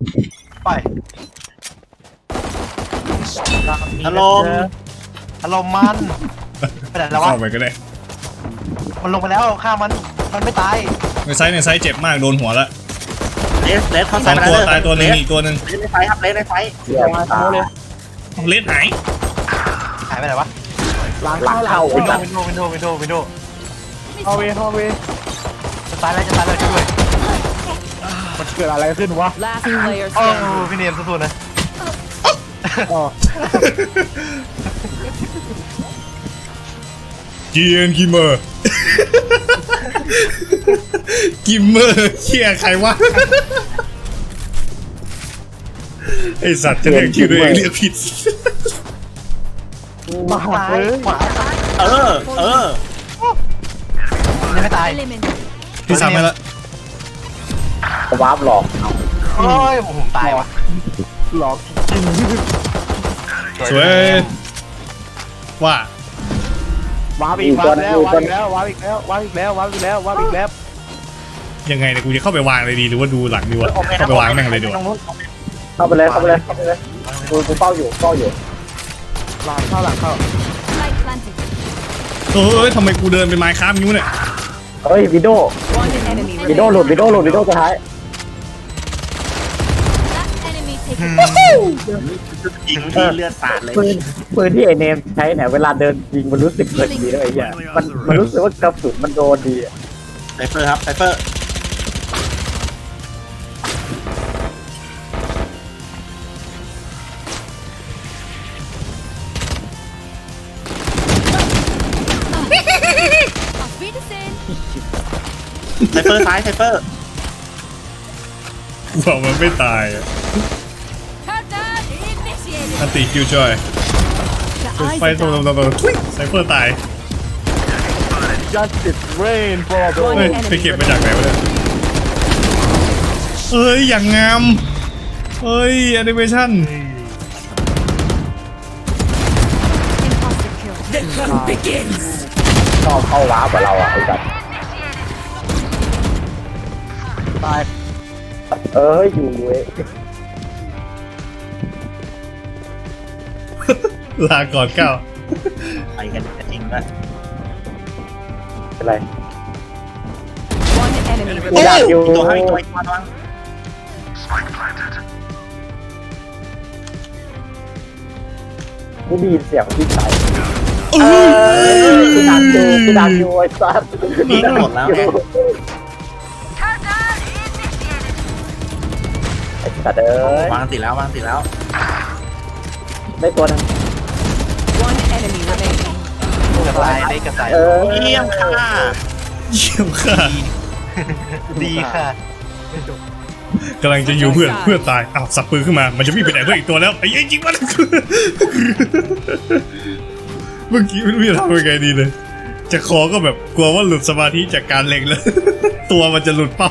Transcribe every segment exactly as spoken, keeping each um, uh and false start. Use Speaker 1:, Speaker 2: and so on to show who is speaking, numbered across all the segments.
Speaker 1: ไปอารมณ์อารมณ์มันไปไหนแล้ววะ
Speaker 2: เข้าไปก็ได้
Speaker 1: มันลงไปแล้วฆ่ามันมันไม่ตาย
Speaker 2: ในไซส์ในไซส์เจ็บมากโดนหัวละ
Speaker 3: เลสเลสเข้า
Speaker 2: ส
Speaker 3: ไซ
Speaker 2: อง
Speaker 3: ไป
Speaker 2: ตัว
Speaker 3: แล้ว
Speaker 2: ตายตัวหนึงอีกตัวหนึ่ง
Speaker 3: เลสในไฟครับเลสในไฟ
Speaker 4: เสียมาตาเลย
Speaker 2: เลสหาย
Speaker 1: หายไปไหนวะ
Speaker 4: หลังเข้าหลัง
Speaker 1: วินโด
Speaker 4: เข้า
Speaker 1: ว์วินโดว์วินโดว์วินโดว์วินโดว์
Speaker 4: ฮอเวฮอเว
Speaker 1: จะตายแล้วจะตายแล้วช่วยด้วย
Speaker 4: มันเกิดอะไรขึ้นวะ
Speaker 5: Last player
Speaker 1: โอ้
Speaker 5: standing.
Speaker 1: พี่เนียมสู้ๆนะ
Speaker 4: อ๋อ
Speaker 2: เกียนกิมเมอร์กิมเมอร์เชี่ยใครวะไอสัตว์จะเรียกชื่อตัวเองเรียกผิด
Speaker 4: มา
Speaker 1: ตาย
Speaker 4: เลย
Speaker 1: ขวา
Speaker 3: เออเออ
Speaker 1: ยังไม่ตาย
Speaker 5: Eliminate.
Speaker 2: ที่สามไปละ
Speaker 4: วาร์ปหลอก
Speaker 1: โอ้ยผมตายวะ
Speaker 4: หลอกจริง
Speaker 2: สวยว่า
Speaker 4: วาร์ปอีกวาร์ปแล้ววาร์ปอีกแล้ววาร์ปอีกแล้ววาร์ปอีกแล้ววาร์ปอีกแล้ววาร์ปอีกแล้ว
Speaker 2: ยังไงเนี่ยกูจะเข้าไปวางเลยดีหรือว่าดูหลังดีวะเข้าไปวางแม่งเลยดีวะ
Speaker 4: เข้าไปเลยเข้าไปเลยเข้าไปเลยกูกูเฝ้าอยู่เฝ้าอยู่หลังเข้าหลังเข้า
Speaker 5: Light planted.
Speaker 2: เอ้ยทำไมกูเดินเป็นไม้ค้ามนิ้วเนี่ย
Speaker 4: เฮ้ยวิดโด
Speaker 5: One enemy
Speaker 4: วิดโด
Speaker 5: remaining.
Speaker 4: หลุดวิดโดหลุดวิดโดสุดท้าย
Speaker 5: Last enemy taken.
Speaker 3: ยิงที่เลือดสาดเลย
Speaker 4: ปืนปืนที่ไอเนมใช้เนี่ยเวลาเดินยิงมันรู้สึกเกิดดีเลยไอ้เหี้ยมันมันรู้สึกว่ากระสุนมันโดนดีอะ
Speaker 3: ไซเฟอร์ครับไซเฟอร์
Speaker 5: Auf Wiedersehen.
Speaker 3: ไซเฟอร์ซ้ายไซเฟอร์
Speaker 2: กูบอกมันไม่ตายอะ
Speaker 5: Countdown initiated.
Speaker 2: อันติคิวจอย
Speaker 5: The eyes
Speaker 2: ไฟ
Speaker 5: are
Speaker 2: ตัว
Speaker 5: down.
Speaker 2: ตัวตัวทุยไซเฟอร์ตาย
Speaker 4: Justice rain for
Speaker 2: เฮ้ยไปเก็บมาจากไหนวะเนี่ยเอ้ยอย่างงามเฮ้ยแอนิเมชั่น
Speaker 5: Imposter kill.
Speaker 4: ชอบเข้าวาร์ปกับเราอ่ะไอ้สัสตายเอออยู่เว้ย
Speaker 2: ลาก่อนเก้า
Speaker 3: ไปกันจริงด้วย
Speaker 4: เป็นไร
Speaker 5: One enemy
Speaker 4: กู
Speaker 5: remaining.
Speaker 4: อยากอยู่
Speaker 3: ตัวให้ตัวอีกตัวนึง
Speaker 4: กูได้ยินเสียงที่ใส่
Speaker 2: เอ้ย
Speaker 4: กูดักอยู่กูดักอยู่ไอ้สัส
Speaker 3: ยิงหมดแล้วไง
Speaker 4: ไอ้สัสเอ้ยว
Speaker 3: างติดแล้ววางติดแล้ว
Speaker 4: ได้ตัวนึง
Speaker 5: One enemy remaining.
Speaker 1: กระต่ายได้กระต่าย
Speaker 4: เออ
Speaker 3: เยี่ยมค่ะ
Speaker 2: เยี่ยมค่ะ
Speaker 1: ดีค่ะ
Speaker 2: กำลังจะอยู่เพื่อนเพื่อนตายอ้าวสับปืนขึ้นมามันจะวิ่งไปไหนเพื่อนอีกตัวแล้วไอ้ไอ้จริงมันเมื่อกี้ไม่รู้จะทำยังไงดีเลยจะคอก็แบบกลัวว่าหลุดสมาธิจากการเล็งแล้ว ตัวมันจะหลุดเป้า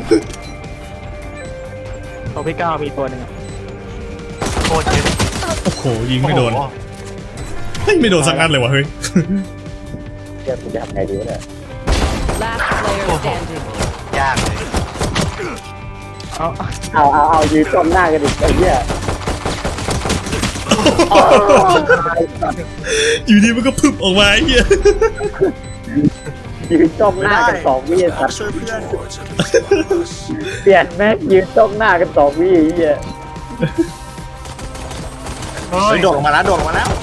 Speaker 4: ตัวพี่ก้าวมีตัวหนึ่ง
Speaker 1: โคตรเจ็บ
Speaker 2: โอ้โหยิงไม่โดนเฮ้ยไม่โดนสักนัดเลยวะเฮ้ย
Speaker 4: เดี๋ยวกูจะทำไงดีวะเนี่ย
Speaker 5: Last player standing.
Speaker 1: ยากเลย
Speaker 4: เอาเอาเอาเอายืนจ้องหน้ากันอีกไอ้เหี้ย
Speaker 2: อยู่ดีมันก็พึบออกมาไอ้เหี้ย
Speaker 4: ยืนจ้องหน้ากันสองวิไอ้สัส
Speaker 3: ช่วยเพื่อน
Speaker 4: เปลี่ยนแม็กยืนจ้องหน้ากันสองวิไอ้เหี้ย
Speaker 1: เฮ้
Speaker 3: เฮ้
Speaker 1: ย
Speaker 3: ยโดดลงมาแล้วโดดลงมาแล้ว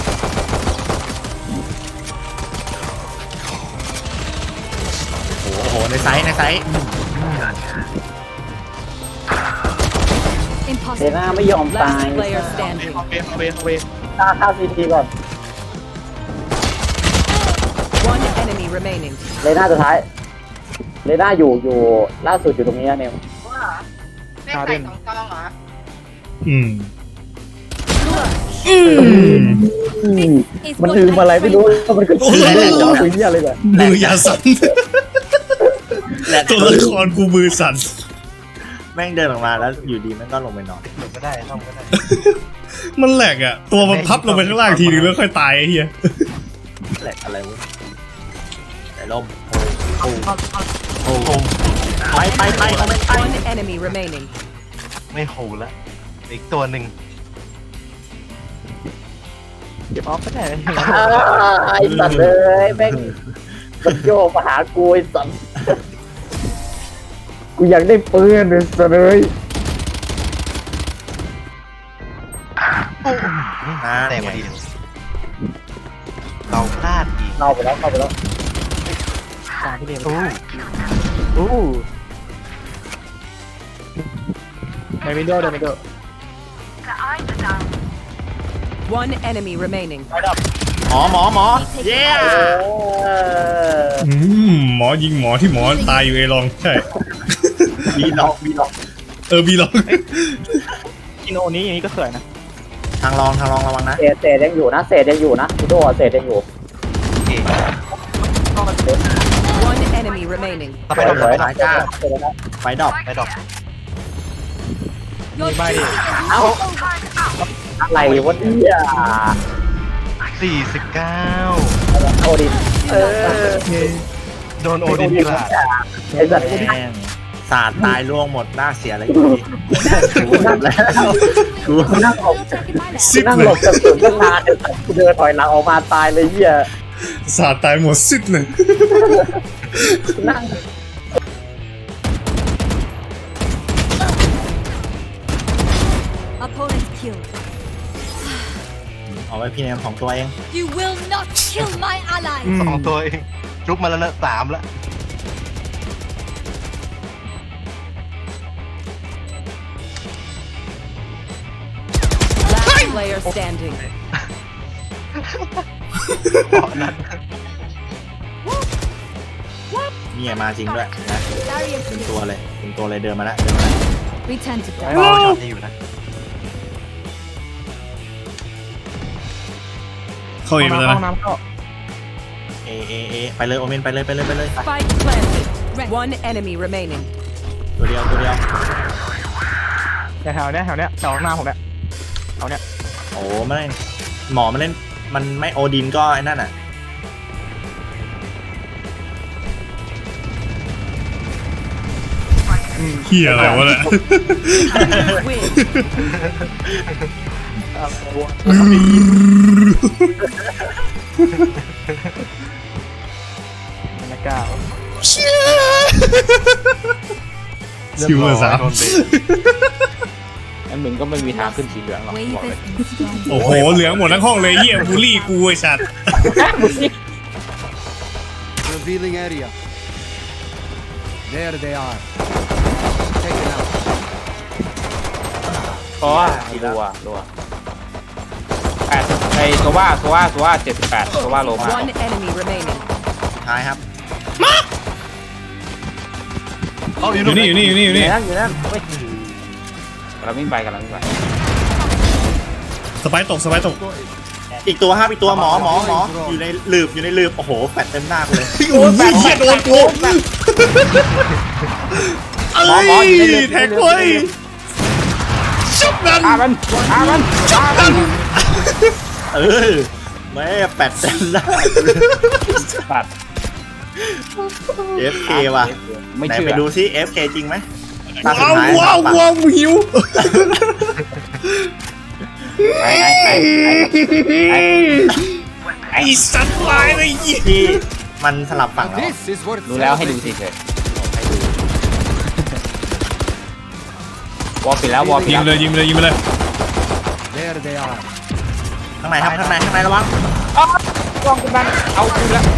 Speaker 3: โอ้โหในไซส์ในไซส์
Speaker 4: เด
Speaker 5: Imposter
Speaker 4: น่า
Speaker 5: kill.
Speaker 4: ไม่ยอมตาย
Speaker 5: Last player standing.
Speaker 4: เวเวเวฆ่าฆ่าซีทีก่อน
Speaker 5: One enemy remaining.
Speaker 4: เลน่าสุดท้ายเลน่าอยู่อยู่ล่าสุดอยู่ตรงนี้นะเนี่ย
Speaker 6: ไม่ใส่สองซองเหรอ
Speaker 2: อืมอืม
Speaker 4: มันลืมอะไรไม่รู้มันก็ลืมเรื่องของคุยเนี่ยอะไรแบบ
Speaker 2: มือยาสั่น
Speaker 3: แหละ
Speaker 2: ตัวละครกูมือสั่น
Speaker 3: แม่งเดินออกมาแล้วอยู่ดีแม่งก็ลงไปนอน
Speaker 1: หลุดก็ได้ซ่อมก็ได้
Speaker 2: มันแหลกอ่ะตัวมันพับลงไปข้างล่างทีนึงแล้วค่อยตายไอ้เหี้ย
Speaker 3: แหลกอะไรวะแต่ลมโอ้โหโอ้โหไปไปไปเอาไปไป
Speaker 5: One enemy remaining.
Speaker 1: ไม่โหแล้วอีกตัวหนึ่ง
Speaker 3: เก็บออฟก็ได้เลย
Speaker 4: อ้าวไอ้สัตว์เลยแม่งมันโยกมาหากูไอ้สัตว์กูอยากได้ปืนไอ้สัตว์เลย
Speaker 1: แต่พอดีเราพลาดอีก
Speaker 4: เข้าไปแล้วเข้าไปแล้ว
Speaker 3: ตามพี่เดม
Speaker 1: อู้
Speaker 3: อู้ในวินโดว์ในวินโดว์
Speaker 5: One enemy remaining.
Speaker 3: หมอหมอหมอเย้
Speaker 2: อืมหมอยิงหมอที่หมอตายอยู่เอลองใช่
Speaker 3: บีล็อกบีล็อก
Speaker 2: เออบีลอง
Speaker 3: กินโอนี้อย่างนี้ก็สวยนะ
Speaker 1: ทางรองทางรองระวังนะ
Speaker 4: เศษเศษยังอยู่นะเศษยังอยู่นะพี่โดเศษยังอยู่
Speaker 1: โอเค
Speaker 5: One enemy remaining.
Speaker 1: ต่อไปเรา
Speaker 4: สวย
Speaker 1: ไป
Speaker 4: นะ
Speaker 1: หายจ้า
Speaker 4: เศษนะ
Speaker 1: ไฟดอกไฟดอก
Speaker 3: มีใบดิ
Speaker 4: เอ้าอะไรวะเนี่ย
Speaker 1: สี่สิบเก้า
Speaker 4: โอดินเออ
Speaker 1: โดนโอดินกลาด
Speaker 4: ไอ้สัตว์
Speaker 1: แม่งสาดตายล่วงหมดหน้าเสียอะไรอยู่ดีกูหมดแล้วกู
Speaker 4: กูนั่งหลบ
Speaker 2: ซิ
Speaker 4: กู
Speaker 2: ด
Speaker 4: นั่ง
Speaker 2: เล
Speaker 4: หล
Speaker 2: ย
Speaker 4: บกระสุนตั้งนานไอ้สัตว์กูเดินถอยหลังออกมาตายเลยเหี้ย
Speaker 2: สาดตายหมดซิดเลย
Speaker 4: กูนั่ง
Speaker 7: Opponent killed.
Speaker 1: เอาไว้พี่แนมของตัวเอง
Speaker 7: You will not kill my ally.
Speaker 1: สองตัวเองจุบมาแล้วนะสามแล้ว
Speaker 5: Last player standing.
Speaker 1: เพราะนั้นนี่มาจริงด้วยนะเป็นตัวเลยเป็นตัวเลยเดินมาแล้วเดินมาแล้ว
Speaker 7: Return to
Speaker 1: ม
Speaker 7: dust.
Speaker 1: องช็อตนี้อยู่นะ
Speaker 2: เข้าเองไปแล้ว
Speaker 3: ห้อง
Speaker 2: นะ
Speaker 3: น้ำเข้า
Speaker 1: เอเอเอไปเลยโอเมนไปเลยไปเลยไปเลย
Speaker 5: Spike planted. One enemy remaining.
Speaker 1: ตัวเดียวตัวเดียว
Speaker 3: แต่แถวเนี้ยแถวเนี้ยแถวหน้าผมเนี้ยแถวเนี้ย
Speaker 1: โอ้ไม่เล่นหมอมาเล่นมันไม่โอดินก็ไอ้นั่นอ่ะ
Speaker 2: เฮียอะไรวะเนี่ย
Speaker 5: Win.
Speaker 3: ไม่กล้า
Speaker 2: ซิลเวอร์สาม
Speaker 1: โดนเบรก
Speaker 3: งั้นมึงก็ไม่มีทางขึ้นสีเหลืองหรอก
Speaker 7: Wave
Speaker 3: บอกเลย
Speaker 7: is installed.
Speaker 2: โอ้โหเหลืองหมดทั้งห้องเลยเฮียบูลลี่กูไอ้สัตว์
Speaker 8: Revealing area. There they are. Taken out.
Speaker 3: เพราะว่ารัวรัวแปดไอโซว่าโซว่าโซว่าเจ็ดสิบแปดโซว่าโลมา
Speaker 5: One enemy remaining.
Speaker 1: สุดท้ายครับ
Speaker 2: อยู่นี่อยู่นี่อยู่นี่อยู่นี่
Speaker 3: นั่นอยู่นั่นเฮ้ยกำลังวิ่งไปกำลังวิ่งไป
Speaker 2: สไปร์ตกสไปร์ตก
Speaker 1: อีกตัวครับอีกตัวหมอหมอหมออยู่ในหลืบอยู่ในหลืบโอ้โหแปดเต็มหน้ากูเลย
Speaker 2: โอ้ยเฮียโดนกูเอ้ยแท็กเว้ยชุบนั่น
Speaker 3: ฆ่ามันฆ่ามันฆ่ามัน
Speaker 1: เออแม่แปดเต็มหน้า
Speaker 3: ปัด
Speaker 1: เอฟเคว่ะ
Speaker 3: ไม่
Speaker 1: ไหน
Speaker 3: เชื่อ
Speaker 1: ไปดูซิ เอฟ เค จริงไหมตาสุด
Speaker 2: ว้าว
Speaker 1: ท้าย
Speaker 2: ว้าวว้าวหิว
Speaker 3: ไอ้ไอ้ไอ้ไอ้
Speaker 2: ไอ้สัตว์ลายเลยยี่
Speaker 1: ที่มันสลับฝั่งแล้ว
Speaker 8: This is worth
Speaker 3: รู้แล้วให้ดูสิเฉย วอลปิดแล้ววอลปิด
Speaker 2: ยิง
Speaker 3: แล้ว
Speaker 2: เลยยิงเลยยิงเลย
Speaker 8: There they are.
Speaker 1: ข้างในครับข้างในข้างในระวัง
Speaker 3: กล้องคุณบ้านเอาคุณแล้ว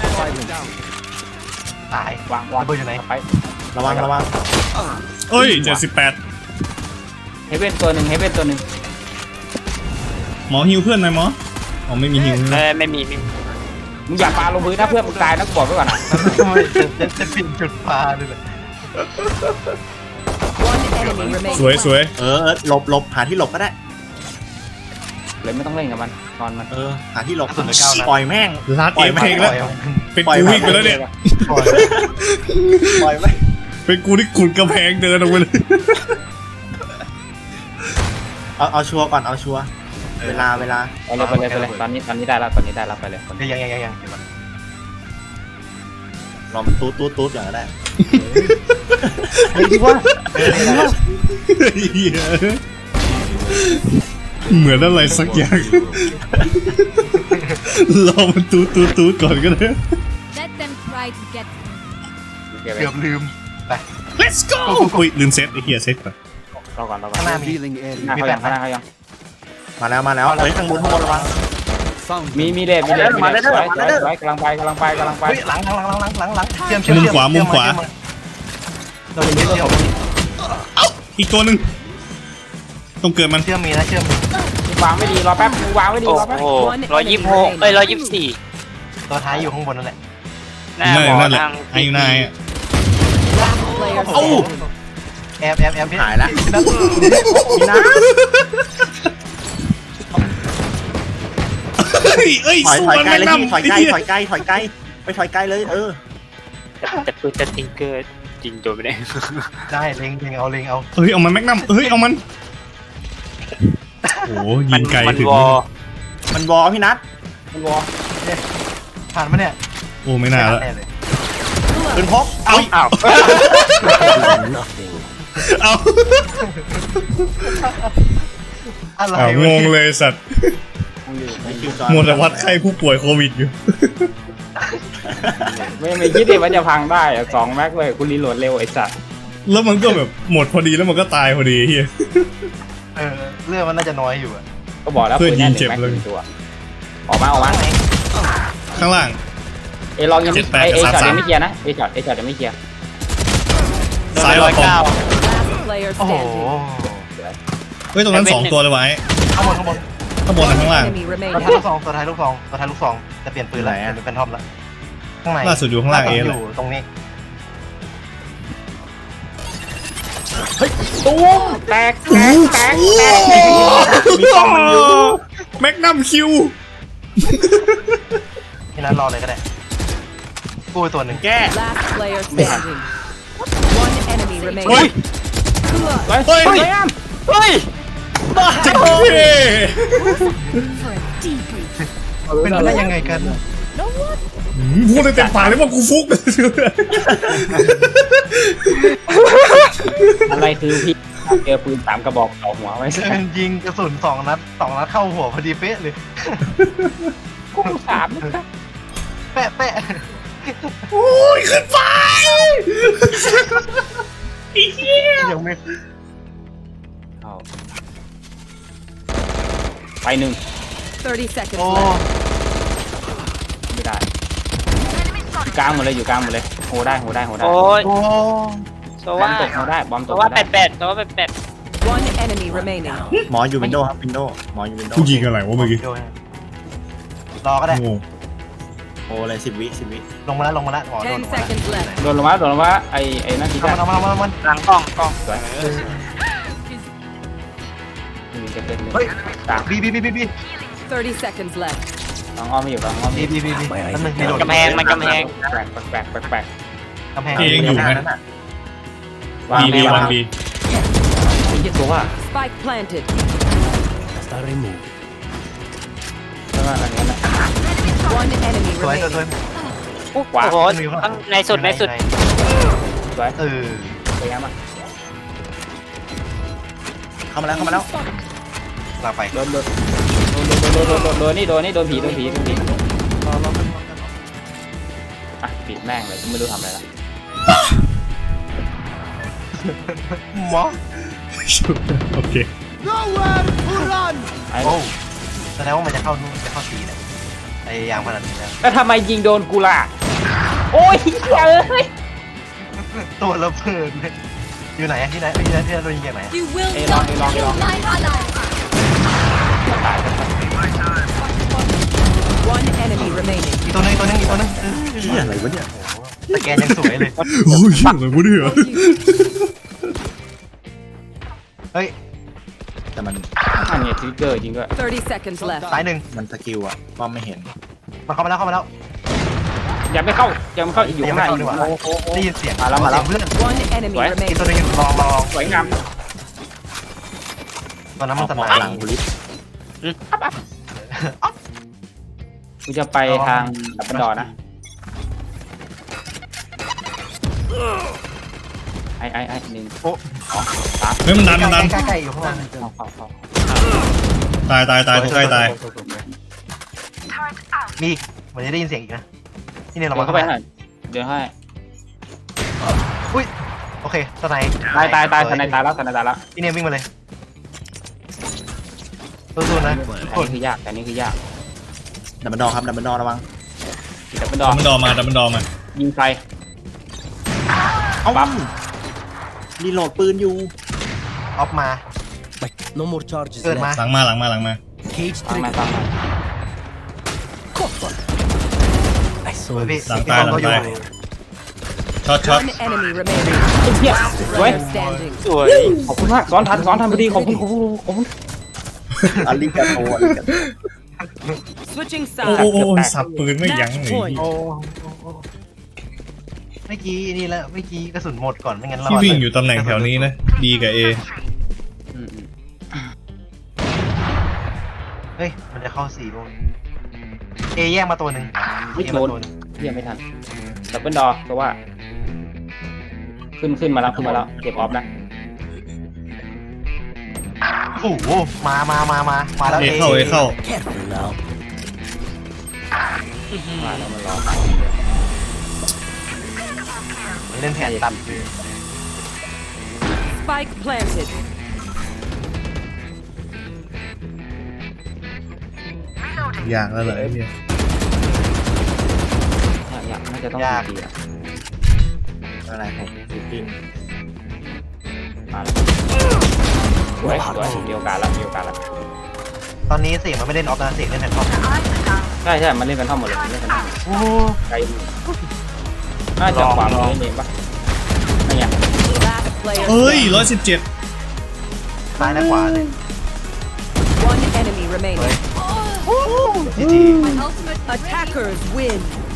Speaker 1: ตาย
Speaker 3: วางวาง
Speaker 1: ระเบิดอยู่ไหน
Speaker 3: ไป
Speaker 1: ระวังระวัง
Speaker 2: เอ้ยเจ็ดสิบแปด
Speaker 3: เฮเว่นตัวหนึ่งเฮเว่นตัวหนึ่ง
Speaker 2: หมอฮิวเพื่อนหน่อยหมออ๋อไม่มีฮิว
Speaker 3: เออไม่มีไม่มีมึงอย่าปาลงพื้นถ้าเพื่อนมึงตายนะกูบอกไว้ก่อนนะ
Speaker 1: จะจะปิดจุดปลาด้วยเลย
Speaker 5: One enemy remaining.
Speaker 2: สวยสวย
Speaker 1: เออเออหลบหลบหาที่หลบก็ได้
Speaker 3: เลยไม่ต้องเล่นกับมันนอนมัน
Speaker 1: เออหาที่หลบปล่อยแม่ง
Speaker 2: ลาด
Speaker 1: ปล่
Speaker 2: เอ
Speaker 1: อย
Speaker 2: ฟเพลงแล้วเป็นกูวิ่งไปแล้วเนี่ย
Speaker 1: ปล่อยปล่อยแม่ง
Speaker 2: เป็นกูที่ขุดกระแพงเดินออกไปเลย
Speaker 1: เอาเอาชัวร์ก่อนเอาชัวร์เวลาเวลา
Speaker 3: เอาเลยไปเลยไปเลยตอนนี้ตอนนี้ได้แล้วตอนนี้ได้แล้วไปเลย
Speaker 1: ยังยังยังยังลองตูดตูดตูดอย่างนั้นได้ไอ้ที่ว่า
Speaker 2: เหี้ยเหมือนอะไรสักอย่างรอมันตูดตูดตูดก่อนก็ได้
Speaker 7: Let them try to get
Speaker 3: เก็บไป
Speaker 6: เกือบลืม
Speaker 2: let's go อุ้ยลืมเซตไอ้เหี้ยเซตก่อน
Speaker 3: รอก่อนรอก่อน
Speaker 6: ข้างหน้ามี
Speaker 8: Revealing
Speaker 3: หน้า
Speaker 8: area.
Speaker 3: เขายังข้างหน้าเขายัง
Speaker 1: มาแล้วมาแล้วเฮ้ยข้างบนข้างบนระวัง
Speaker 8: Found
Speaker 3: มี
Speaker 8: them.
Speaker 3: มีเลดมีเลดมี
Speaker 1: มา
Speaker 3: เล
Speaker 1: ได้
Speaker 3: ด
Speaker 1: ได้
Speaker 3: สวยส
Speaker 1: มา
Speaker 3: วย
Speaker 1: ได้
Speaker 3: สวยกำลังไปกำลังไปกำลังไป
Speaker 6: เฮ้ยหลังหลังหลังหลังหลังหลังเชื่อมเชื่อม
Speaker 2: มุมขวามุมขวา
Speaker 6: โดนยิงเชื่อม
Speaker 2: อีกตัวหนึ่งต้องเกิดมัน
Speaker 6: เชื่อมมีนะเชื่อม
Speaker 3: วางไม่ดีรอแป๊บวางไม่ดี
Speaker 9: โอ้
Speaker 3: รอแป๊บ
Speaker 9: โห
Speaker 5: One
Speaker 9: ร้อยยี่
Speaker 5: enemy
Speaker 9: สิบหก
Speaker 5: remaining.
Speaker 9: เอ้ยร้อยยี่สิบสี่
Speaker 6: ตัวท้ายอยู่ข้างบนนั่นแหละ
Speaker 9: หน้า
Speaker 2: นั่น
Speaker 9: หมอ
Speaker 2: นั่นแหละ
Speaker 9: ทาง
Speaker 2: ไอ้อยู่นายอะ
Speaker 5: Last player
Speaker 1: โอ้
Speaker 5: standing.
Speaker 6: แอบแอบแอบพี่
Speaker 1: หายละ
Speaker 6: พี่นัท
Speaker 1: พี่นะ
Speaker 2: เฮ้ยเอ้ย
Speaker 1: ถอย
Speaker 2: สู้
Speaker 1: ถอย
Speaker 2: มัน
Speaker 1: ไกล
Speaker 2: ไม่
Speaker 1: เลย
Speaker 2: นำ
Speaker 1: พี่ถอยไกล
Speaker 2: ไอ้เหี้ย
Speaker 1: ถอยไกลถอยไกลไปถอยไกลเลยเออ
Speaker 9: แต่ปืนจะติงเกอร์จริงโดนไม่ได้
Speaker 6: ได้เล็งเล็งเอาเล็งเอา
Speaker 2: เฮ้ยเอามันแม็กนัมเฮ้ยเอามันโอ้ยิงไกล
Speaker 9: มัน
Speaker 2: ถึง
Speaker 9: วอ
Speaker 1: มันวอพี่นัท
Speaker 3: มันวอ
Speaker 6: ผ่านมาเนี่ย
Speaker 2: โอ้ไม่น่าละ
Speaker 6: แน่เลย
Speaker 1: ปืนพก
Speaker 2: เอา
Speaker 9: อ้าว
Speaker 2: เอา
Speaker 6: อะไร
Speaker 2: เอาง
Speaker 6: วะ
Speaker 2: งเลยสัตว์
Speaker 1: ไม่คิวจอ
Speaker 2: มัวแต่วัดไข้ผู้ป่วยโควิดอยู่
Speaker 3: ไม่ไม่คิดดิว่าจะพังได้อะสองแม็กเลยคุณรีโหลดเร็วไอ้สัตว์
Speaker 2: แล้วมันก็แบบหมดพอดีแล้วมันก็ตายพอดีเฮีย
Speaker 6: เออเรื่องมันน่าจะน้อยอยู่อะ
Speaker 3: ก็บอกแล้ว
Speaker 2: เพื่
Speaker 3: ปื
Speaker 2: อน
Speaker 3: นแน่นห
Speaker 2: ยิงเจ็
Speaker 3: นึ่
Speaker 2: บ
Speaker 3: งแม็ก
Speaker 2: เลย
Speaker 3: หนึ่งตัวออกมาออกมา
Speaker 2: ข้างล่าง
Speaker 3: เอลองยังไม่
Speaker 2: เจ็ดแปด
Speaker 3: ไอเอ
Speaker 2: กับ
Speaker 3: ช็อต
Speaker 2: สามสาม
Speaker 3: ยังไม่เคลียร์นะเอช็อตเอช็อตยังไม่เคลียร์
Speaker 2: ซ้าย
Speaker 9: ร้
Speaker 2: อ
Speaker 9: อ
Speaker 2: อย กของ
Speaker 9: เก้า
Speaker 5: Last player
Speaker 6: โอ้โห
Speaker 5: standing.
Speaker 2: เฮ้ยตรงนั้นสองตัวเลยไว้
Speaker 6: ข้างบนข้างบน
Speaker 2: ข้างบนกับข้างล่าง
Speaker 5: Enemy
Speaker 6: ตัว
Speaker 5: remaining.
Speaker 6: ท้ายลูกซองตัวท้ายลูกซองตัวท้ายลูกซองจะเปลี่ยนปืนแล้วเป็นเป็นทอมแล้วข้างใน
Speaker 2: ล่าสุดอยู่ข้างล่างเอ
Speaker 6: อ
Speaker 2: เลย
Speaker 6: ยู่ตรงนี้
Speaker 3: ตูมแตกแตกแตกแตก
Speaker 2: มีต้องมันอยู่แม็กนัมคิว
Speaker 6: ที่นั้นรอเลยก็ได้กูไปตัวหนึ่ง
Speaker 1: แก้
Speaker 5: Last player standing. One enemy
Speaker 2: เฮ้ย
Speaker 5: remaining.
Speaker 3: เฮ้ย
Speaker 2: เฮ้ย
Speaker 3: เฮ้ยแอม
Speaker 9: เฮ้ย
Speaker 2: เจ๊เท่
Speaker 7: for a debrief.
Speaker 6: เป็นไปได้ยังไงกัน
Speaker 2: พูดได้เต็มปากเลยว่ากูฟุก
Speaker 3: อะไรคือพี่เจอปืนสามกระบอกต่อหัวไว้
Speaker 6: เดินยิงกระสุนสองนัดสองนัดเข้าหัวพอดีเป๊ะเลย
Speaker 3: กูสามนะครับ
Speaker 6: แปะแปะ
Speaker 2: โอ้ยขึ้นไป
Speaker 6: ยังไม่
Speaker 3: เอาไปหนึ่ง
Speaker 5: thirty seconds
Speaker 6: โอ้
Speaker 5: left.
Speaker 3: ไม่ได้อยู่กลางหมดเลยอยู่กลางหมดเลยโหได้โหได้โหได้
Speaker 9: โอ้ย
Speaker 6: โอ้
Speaker 9: โซ
Speaker 3: บอ
Speaker 9: ว่าม
Speaker 3: ตกโหได้บอม
Speaker 9: โซ
Speaker 3: ตก
Speaker 9: ว่า
Speaker 3: โห
Speaker 9: แป
Speaker 3: ได้
Speaker 9: ดแปดโซว่าแปดแปด
Speaker 5: One enemy remaining.
Speaker 1: หมออยู่วินโดว์ครับวินโดว์หมออยู่วินโดว์
Speaker 2: กูยิงอะไรวะเมื่อกี้
Speaker 6: โยนรอก็ได้
Speaker 2: โอ้
Speaker 1: โอ้เลยสิบวิสิบวิ
Speaker 6: ลงมาแล้วลงมาแล้วหมอโดน
Speaker 5: Ten
Speaker 6: ลงมาแล้ว
Speaker 5: seconds left.
Speaker 3: โดนลงมาโดนลงมาไอไอนั่นทีแรก
Speaker 6: เอามาเอามาเอามา
Speaker 9: หลังกล้องกล้อง
Speaker 3: สวยมีจะเป็นหนึ่ง
Speaker 6: เฮ้ย
Speaker 3: สาม
Speaker 6: บีบีบีบีบี
Speaker 5: thirty seconds left.
Speaker 3: ลองอ้อมไม่อยู่ลองอ้อม
Speaker 6: บี
Speaker 3: ไม่อยู่
Speaker 6: บีบีบีนั่นหนึ่งมีโดด
Speaker 9: กำแพงมันกำแพง
Speaker 3: แปลกแปลกแปลกแปลก
Speaker 6: กำแพง
Speaker 2: เอยังอยู่ไหม
Speaker 3: วาง
Speaker 2: บี
Speaker 3: ไม่
Speaker 2: บี
Speaker 3: วา
Speaker 2: วั
Speaker 3: ง
Speaker 2: นบี
Speaker 3: ยี่ตัวว่า
Speaker 5: Spike planted.
Speaker 3: แล้วก็อันนี้นะ
Speaker 5: One enemy
Speaker 6: สวยสวยสวย
Speaker 5: remaining.
Speaker 9: โอ้โหข้างในสุดในสุด
Speaker 3: สวย
Speaker 6: เออ
Speaker 3: สวยงามอ่ะ
Speaker 1: เข้ามาแล้วเข้ามาแล้ว
Speaker 6: ลาไป
Speaker 3: โดนโดนโดนโดนโดนโดนโดนนี่โดนนี่โดนผีโดนผีโดนผีอ่ะปิดแม่งเลยไม่รู้ทำอะไรละ
Speaker 6: หมอ
Speaker 2: โอเค
Speaker 8: Nowhere to run.
Speaker 3: ไอ้
Speaker 6: โอ้แสดงว่ามันจะเข้านู่นจะเข้าทีเนี่ยไอ้ยางพนันนี่แล้ว
Speaker 3: แล้วทำไมยิงโดนกูล่ะโอ้ยเอ้ย
Speaker 6: ตัวระเบิดเลยอยู่ไหนที่ไหนที่ไหนที่ไหนโดนยิงจากไหน
Speaker 7: You will
Speaker 3: Hey,
Speaker 7: not
Speaker 3: long, hey, long, hey,
Speaker 7: kill
Speaker 3: long.
Speaker 7: my ally.
Speaker 3: ตาย
Speaker 5: One enemy remaining.
Speaker 6: อีกตัวนึงอีกตัวนึงอีกตัวนึง
Speaker 1: เหี้ยอะไรวะเนี่ย
Speaker 6: แต่แกยังสวยเลย
Speaker 2: โอ้ยอะไรวะเนี่ย
Speaker 6: เฮ้ย
Speaker 1: แต่มัน
Speaker 3: อันนี้ทริกเกอร์จริงด้วย
Speaker 5: thirty seconds left.
Speaker 6: ซ้ายหนึ่ง
Speaker 1: มันสกิลอะป้อมไม่เห็น
Speaker 6: มันเข้ามาแล้วเข้ามาแล้ว
Speaker 3: ยังไม่เข้ายังไม่เข้าอยู่
Speaker 6: ยั
Speaker 3: ข้าง งใน
Speaker 6: ไม่เข้าดีกว่า
Speaker 3: โอ้โห
Speaker 6: ได้ยินเสียง
Speaker 3: มาแล้วมาแล้ว
Speaker 6: เพื่อน
Speaker 5: One enemy
Speaker 3: What?
Speaker 6: อีก
Speaker 5: remaining.
Speaker 6: ตัวนึงลองลองลอง
Speaker 3: สวยงาม
Speaker 6: ตอนนั้น
Speaker 1: เอา
Speaker 6: มันส
Speaker 1: หมอ
Speaker 6: ตาร์
Speaker 1: หลัง
Speaker 6: ท
Speaker 1: บุลิส
Speaker 3: กูจะไปทางดับเบิลดอร์นะไอ้ไอ้ไอ้หนึ่ง
Speaker 6: โอ้
Speaker 2: เฮ้ยมันดันมันดัน
Speaker 6: ใกล้ๆใกล้ๆอยู่ข้างล่าง
Speaker 3: เข้าเข้าเข้า
Speaker 2: ตายตายตายตัวใกล้ตาย
Speaker 6: มีอีกเหมือนจะได้ยินเสียงอีกนะที่เนี่ย
Speaker 3: เดิ
Speaker 6: เรา
Speaker 3: นเข้าไปหน่อยเดี๋ยวให้
Speaker 6: อุ้ยโอเคสไน
Speaker 3: ตายตายตายทนายตายแล้วทนายตายแล้ว
Speaker 6: ที่เนี่ยวิ่งมาเลยสู้ๆนะทุก
Speaker 3: อัน
Speaker 6: คน
Speaker 3: นี้คือยากอันนี้คือยาก
Speaker 1: ดับเบิลดอครับดับเบิลดอระวัง
Speaker 3: แต่เป็นด
Speaker 2: ดั
Speaker 3: อบ ก
Speaker 2: มันดอมาดับมันดอมา
Speaker 3: ยิงใคร
Speaker 1: เอ้า
Speaker 3: ปั๊บ
Speaker 1: รีโหลดปืนอยู่
Speaker 6: ออฟมา
Speaker 8: No more charges
Speaker 6: เกิด
Speaker 8: left.
Speaker 6: มา
Speaker 2: หลังมาหลังมาหลังมา
Speaker 8: Cage
Speaker 3: ฟังมา
Speaker 8: trigger.
Speaker 3: ฟังมา
Speaker 8: I
Speaker 6: สวย
Speaker 8: saw
Speaker 6: พี่
Speaker 8: this.
Speaker 2: หลัง
Speaker 6: พี่
Speaker 2: ตาย
Speaker 6: บอล
Speaker 2: หลัง
Speaker 6: ก็อยู่
Speaker 2: ตายช็อตช็อต
Speaker 5: One enemy remaining.
Speaker 3: เฮียสวย
Speaker 5: Player standing.
Speaker 9: สวย
Speaker 3: ขอบคุณมากสอนทันสอนทันพอดีขอบคุณขอบคุณขอบคุณ
Speaker 1: อาริกาโตอาริกาโต
Speaker 5: Switching
Speaker 2: โอ้โอ้
Speaker 5: sides.
Speaker 2: โอ้สับปืนไม่ยั้งเลย
Speaker 6: โอ้โอ้โอ้เมื่อกี้นี่แล้วเมื่อกี้กระสุนหมดก่อนไม่งั้นเรา
Speaker 2: ที่วิ่งอยู่ตำแหน่งแถวนี้นะดีกับเอ
Speaker 3: อืมอืม
Speaker 6: เฮ้ยมันจะเข้าสี่โมงเอแยกมาตัวหนึ่ง
Speaker 3: ไม่
Speaker 6: เอ
Speaker 3: โด
Speaker 6: มาน ตัวหนึ่ง
Speaker 3: เฮียไม่ทันดับเบิลดอเพราะว่า ขึ้นขึ้นมาแล้วขึ้นมาแล้วเก็บออฟนะ
Speaker 6: โอ้โหมามามามามาแล้ว
Speaker 2: เอเข้าเอเข้า
Speaker 8: Careful now.
Speaker 3: มาแล้วมันรอ
Speaker 6: เล่นแผนตัด
Speaker 5: Spike planted.
Speaker 2: ยากแล้วเหรอไอ้เนี่ย
Speaker 3: อยากน่าจะต้องดีอ่ะ
Speaker 1: อะไรผมจริง
Speaker 3: มาแล้วสวยสวยมีโอกาสแล้วมีโอกาสแล้ว
Speaker 6: ตอนนี้เสียงมันไม่เล่นออฟนะเสียงเล่นแผนท็อป
Speaker 3: ใช่ใช่มันเล่นกันท่อมหมดเลยมันเล่นกันท่อม
Speaker 6: โอ้โห
Speaker 3: ไกลอยู่น่าจะขวามือเล่นเองปะไม่ไง
Speaker 5: Last player
Speaker 2: เอ้ย
Speaker 5: standing.
Speaker 2: ร้อยสิบเจ็ด
Speaker 6: ซ้ายและขวาเลย
Speaker 5: One enemy remaining.
Speaker 6: จีจี
Speaker 7: My ultimate is ready.
Speaker 5: Attackers win.